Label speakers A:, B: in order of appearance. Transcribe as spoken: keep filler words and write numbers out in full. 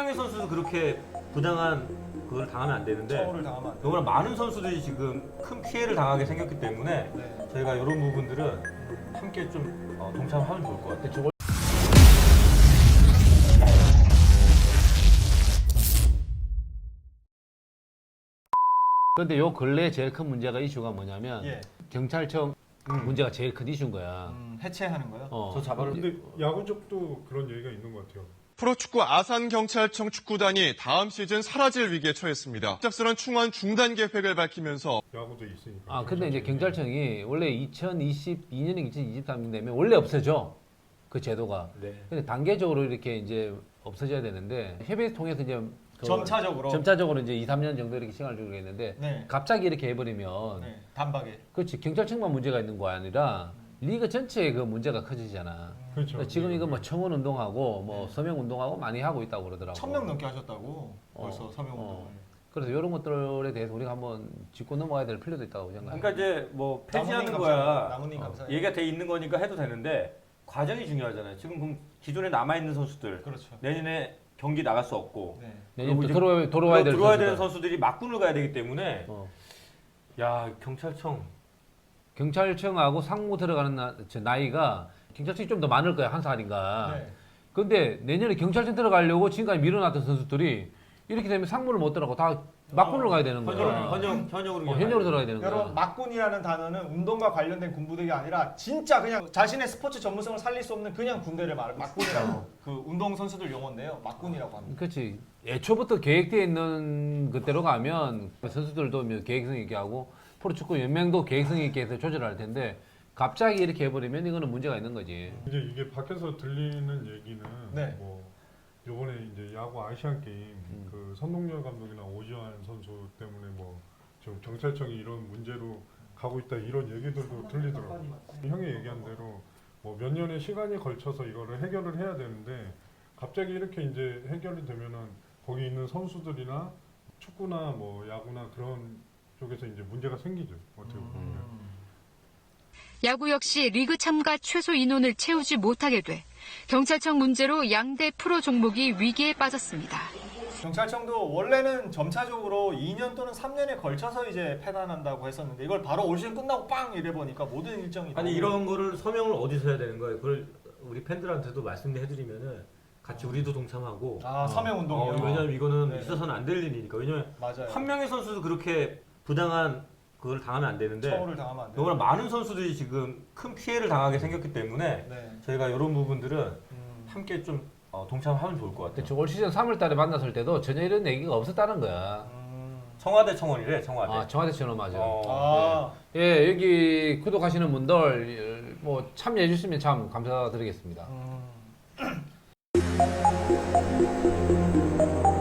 A: 명의 선수도 그렇게 부당한 그걸 당하면 안 되는데
B: 처우를 당하면 안 돼요.
A: 너무나 많은 선수들이 지금 큰 피해를 당하게 생겼기 때문에
B: 네.
A: 저희가 이런 부분들은 함께 좀 어, 동참하면 좋을 것 같아요.
C: 저걸 근데 요 근래 제일 큰 문제가 이슈가 뭐냐면
B: 예.
C: 경찰청 문제가 제일 큰 이슈인 거야.
B: 음, 해체하는 거요?
C: 어.
A: 저 잡아를
D: 근데 야구 쪽도 그런 얘기가 있는 것 같아요.
E: 프로축구 아산경찰청 축구단이 다음 시즌 사라질 위기에 처했습니다. 갑작스런 충원 중단 계획을 밝히면서
D: 야구도 있으니까.
C: 아 근데 이제 경찰청이 원래 이천이십이 년에 이천이십삼 년 되면 원래 없어져 그 제도가.
A: 네.
C: 근데 단계적으로 이렇게 이제 없어져야 되는데 협의를 통해서 이제 그
B: 점차적으로.
C: 점차적으로 이제 이, 삼 년 정도 이렇게 시간을 주기로 했는데
B: 네.
C: 갑자기 이렇게 해버리면
B: 네. 단박에.
C: 그렇지 경찰청만 문제가 있는 거 아니라 리그 전체에 그 문제가 커지잖아.
D: 그렇죠.
C: 그러니까 지금 이거 뭐
D: 네.
C: 청원 운동하고 뭐
B: 네.
C: 서명 운동하고 많이 하고 있다고 그러더라고.
B: 천 명 넘게 하셨다고
C: 어,
B: 벌써 서명 운동을.
C: 어. 그래서 이런 것들에 대해서 우리가 한번 짚고 넘어가야 될 필요도 있다고 생각해요.
A: 그러니까 이제 뭐 폐지하는
B: 나무님
A: 거야
B: 감사합니다. 나무님
A: 어,
B: 감사해요.
A: 얘기가 돼 있는 거니까 해도 되는데 과정이 중요하잖아요. 지금 그럼 기존에 남아 있는 선수들
B: 그렇죠.
A: 내년에 경기 나갈 수 없고
B: 네.
C: 내년 또
A: 이제
C: 들어와, 들어와야 될
A: 들어와야
C: 선수들.
A: 되는 선수들이 막군을 가야 되기 때문에
C: 어.
A: 야 경찰청
C: 경찰청하고 상무 들어가는 나, 저 나이가 경찰청이 좀 더 많을 거야 한 살인가.
B: 네.
C: 근데 내년에 경찰청 들어가려고 지금까지 밀어놨던 선수들이 이렇게 되면 상무를 못 들어가고 다 막군을
B: 어,
C: 가야 되는 거야.
A: 현역 현역 현역으로
C: 어,
A: 그냥
C: 현역으로
A: 가야
C: 들어가야 되는 거야.
B: 여러분 막군이라는 단어는 운동과 관련된 군부대가 아니라 진짜 그냥 자신의 스포츠 전문성을 살릴 수 없는 그냥 군대를 말해 막군이라고 그 운동 선수들 용어인데요. 막군이라고 합니다.
C: 그렇지. 애초부터 계획되어 있는 그대로 가면 선수들도 뭐 계획성 있게 하고 프로축구 연맹도 계획성 있게 해서 조절할 텐데 갑자기 이렇게 해버리면 이거는 문제가 있는 거지.
D: 이제 이게 밖에서 들리는 얘기는
B: 네.
D: 뭐 요번에 이제 야구 아시안 게임
C: 음.
D: 그 선동열 감독이나 오지환 선수 때문에 뭐 지금 경찰청이 이런 문제로 가고 있다 이런 얘기들도 들리더라고요. 형이 얘기한 대로 뭐 몇 년의 시간이 걸쳐서 이거를 해결을 해야 되는데 갑자기 이렇게 이제 해결이 되면은 거기 있는 선수들이나 축구나 뭐 야구나 그런 쪽에서 이제 문제가 생기죠. 어떻게 보면.
B: 음.
F: 야구 역시 리그 참가 최소 인원을 채우지 못하게 돼 경찰청 문제로 양대 프로 종목이 위기에 빠졌습니다.
B: 경찰청도 원래는 점차적으로 이 년 또는 삼 년에 걸쳐서 이제 폐단한다고 했었는데 이걸 바로 올 시즌 끝나고 빵 이래 보니까 모든 일정이
A: 아니
B: 너무-
A: 이런 거를 서명을 어디서 해야 되는 거예요? 그걸 우리 팬들한테도 말씀해드리면은 같이 우리도 동참하고
B: 아 서명 운동이요.
A: 어, 왜냐면 이거는
B: 네.
A: 있어서는 안 될 일이니까. 왜냐면
B: 맞아요.
A: 한 명의 선수도 그렇게 부당한 그걸 당하면 안 되는데
B: 처우를 당하면 안 돼요.
A: 너무나 많은 선수들이 지금 큰 피해를 당하게 생겼기 때문에
B: 네.
A: 저희가 이런 부분들은
B: 음.
A: 함께 좀 어, 동참하면 좋을 것 같아요.
C: 그렇죠. 올 시즌 삼월 달에 만났을 때도 전혀 이런 얘기가 없었다는 거야.
B: 음.
A: 청와대 청원이래 청와대.
C: 아, 청와대 전화 맞아.
A: 어,
B: 아.
C: 예, 여기 구독하시는 분들 뭐 참여해 주시면 참 감사드리겠습니다.
B: 음.